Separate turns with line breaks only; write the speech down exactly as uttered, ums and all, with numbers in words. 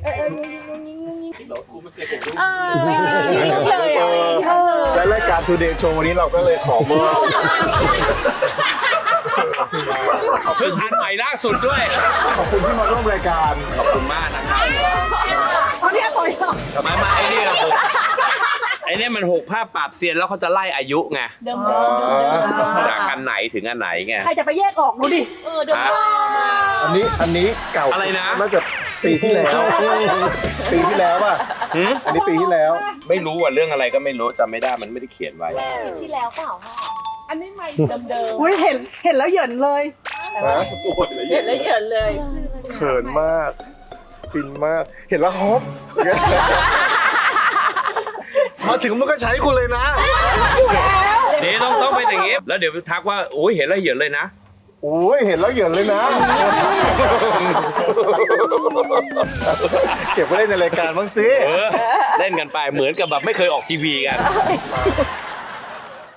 เออเอองุ้งงิ้งงุ้งงิ้งงุ้งงิ้ง
เออไม่มีเลยอ่ะ
และรายการ Today Show วันนี้เราก็เลยขอมอบ
เพิ่งอันใหม่ล่าสุดด้วย
ขอบคุณที่มาร่วมรายการ
ขอบคุณมากนะครับ
เขาเรียกต่อยเหรอ
มามาไอ้นี่เราหกไอ้นี่มันหกภาพปราบเซียนแล้วเขาจะไล่อายุไง
เดิมเดิมเดิมเดิม
จากอันไหนถึงอันไหนไง
ใครจะไปแยกออกดูดิ
เออเดิมเดิม
อันนี้อันนี้เก่า
อะไรนะ
น่าจะปีที่แล้ว ปีที่แล้วป่ะ
หืม
อันนี้ปีที่แล้ว
ไม่รู้ว่าเรื่องอะไรก็ไม่รู้จำไม่ได้มันไม่ได้เขียนไว้
ที่แล้วเปล่าพ่ออันนี้ใหม่เดิมเดิม
อุ้ยเห็นเห็นแล้วเหยินเลย
ฮะ
เห็นแล้วเห็นเลย
เขินมากฟินมาก เห็นแล้วฮอปมาถึงมันก็ใช้กูเลยนะ
เดี๋ยวต้องต้องเป็นอย่างงี้ แล้วเดี๋ยวทักว่าโอ้ยเห็นแล้วเหยินเลยนะ
โอ้ยเห็นแล้วเหยินเลยนะ เก็บไว้เล่นในรายการบ้างสิ
เออ เล่นกันไปเหมือนกับแบบไม่เคยออกทีวีกัน